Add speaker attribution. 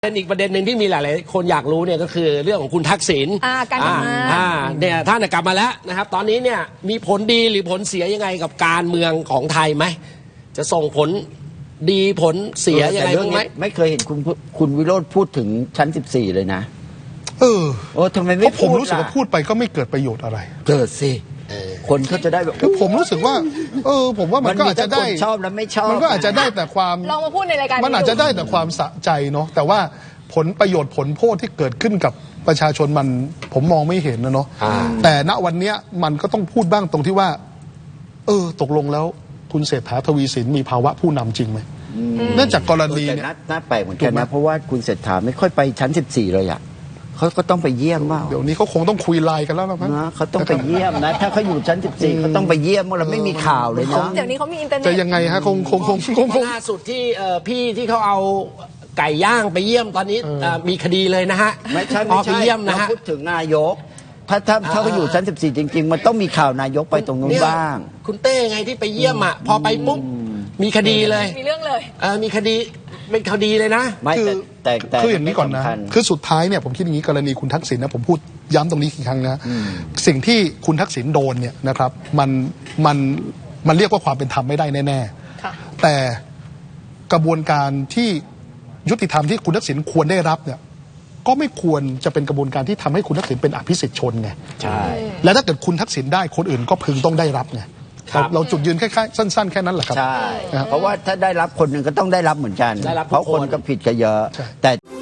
Speaker 1: เป็นอีกประเด็นหนึ่งที่มีหลายๆคนอยากรู้เนี่ยก็คือเรื่องของคุณทักษิณ
Speaker 2: การกลับมา
Speaker 1: เนี่ยท่านกลับมาแล้วนะครับตอนนี้เนี่ยมีผลดีหรือผลเสียยังไงกับการเมืองของไทยไหมจะส่งผลดีผลเสียยังไงบ้างไหม
Speaker 3: ไม่เคยเห็นคุณวิโรจน์พูดถึงชั้น14เลยนะทำไมไม่
Speaker 4: ผมรู้สึกว่าพูดไปก็ไม่เกิดประโยชน์อะไร
Speaker 3: เกิดสิคนเขาจะได้แบบ
Speaker 4: ผมรู้สึกว่าผมว่ามันก็อาจจะได้
Speaker 3: ชอบและไม่ชอบ
Speaker 4: มันก็อาจจะได้แต่ความ
Speaker 2: ลองมาพูดในรายการ
Speaker 4: มันอาจจะได้แต่ความสะใจเนาะแต่ว่าผลประโยชน์ผลโทษที่เกิดขึ้นกับประชาชนมันผมมองไม่เห็นนะเนาะแต่ณวันนี้มันก็ต้องพูดบ้างตรงที่ว่าตกลงแล้วคุณเศรษฐาทวีสินมีภาวะผู้นำจริงไหมเนื่องจากกรณีเนี่ย
Speaker 3: น่าแปลกเหมือนกันนะเพราะว่าคุณเศรษฐาไม่ค่อยไปชั้น14เลยอะเขาก็ต้องไปเยี่ยมว่า
Speaker 4: เดี๋ยวนี้เขาคงต้องคุยไลน์กันแล้วนะ
Speaker 3: เขาต้องไปเยี่ยมนะถ้าเขาอยู่ชั้น14เขาต้องไปเยี่ยมเราไม่มีข่าวเลยนะ
Speaker 2: เดี๋ยวนี้เขามีอินเทอร์เน็ต
Speaker 4: จะยังไงฮะคง
Speaker 1: ล่าสุดที่พี่ที่เขาเอาไก่ย่างไปเยี่ยมตอนนี้มีคดีเลยนะฮะ
Speaker 3: ไม่ใช่
Speaker 1: ไปเยี่ยมนะฮะ
Speaker 3: พูดถึงนายกถ้าเขาอยู่ชั้น14จริงๆมันต้องมีข่าวนายกไปตรงนู้นบ้าง
Speaker 1: คุณเต้ไงที่ไปเยี่ยมอ่ะพอไปปุ๊บมีคดีเลย
Speaker 2: มีเรื่องเลย
Speaker 1: มีคดีเป็นคดีเลยนะ
Speaker 4: คืออย่างนี้ก่อนนะคือสุดท้ายเนี่ยผมคิดอย่างนี้กรณีคุณทักษิณนะผมพูดย้ำตรงนี้อีกครั้งนะสิ่งที่คุณทักษิณโดนเนี่ยนะครับมันเรียกว่าความเป็นธรรมไม่ได้แน่ๆแต่กระบวนการที่ยุติธรรมที่คุณทักษิณควรได้รับเนี่ยก็ไม่ควรจะเป็นกระบวนการที่ทำให้คุณทักษิณเป็นอภิสิทธิ์ชนไง
Speaker 3: ใช่
Speaker 4: และถ้าเกิดคุณทักษิณได้คนอื่นก็พึงต้องได้รับไงเราจุดยืนแค่สั้นๆแค่นั้นแหละครับ
Speaker 3: ใช่เพราะว่าถ้าได้รับคนหนึ่งก็ต้องได้รับเหมือนกันเพราะคนก็ผิดกันเยอะแต่